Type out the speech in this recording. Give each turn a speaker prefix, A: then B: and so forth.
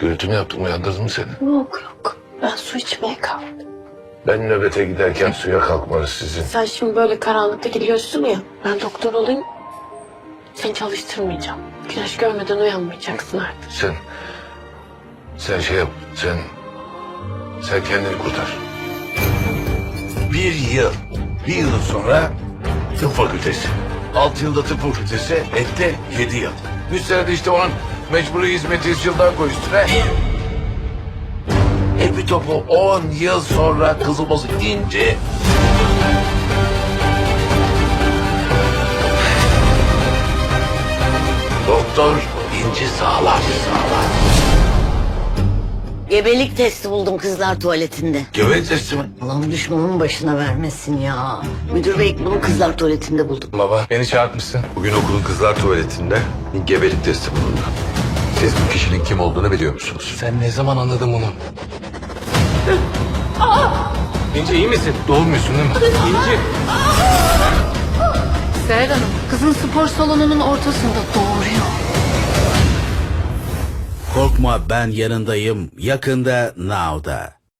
A: Gürültü mü yaptım, uyandırdım mı seni?
B: Yok yok. Ben su içmeye kalktım.
A: Ben nöbete giderken suya kalkmanız sizin.
B: Sen şimdi böyle karanlıkta gidiyorsun ya. Ben doktor olayım. Seni çalıştırmayacağım. Güneş görmeden uyanmayacaksın artık.
A: Sen şey yap, sen kendini kurtar. Bir yıl sonra tıp fakültesi. 6 yılda tıp fakültesi, ette 7 yıl. Üstelik işte onun mecburi hizmeti 100 yıldan koy üstüne. Bir topu 10 yıl sonra kızılması ince. Doktor inci sağlar.
C: Gebelik testi buldum kızlar tuvaletinde.
A: Göbek testi mi?
C: Allah'ım düşmanın başına vermesin ya. Müdür bey bunu kızlar tuvaletinde buldum.
D: Baba beni çağırtmışsın.
E: Bugün okulun kızlar tuvaletinde gebelik testi bulundu. Siz bu kişinin kim olduğunu biliyor musunuz?
D: Sen ne zaman anladın bunu? İnci iyi misin? Doğmuyorsun değil mi? İnci.
F: Seher Hanım, kızın spor salonunun ortasında doğuruyor.
G: Korkma ben yanındayım. Yakında Now'da.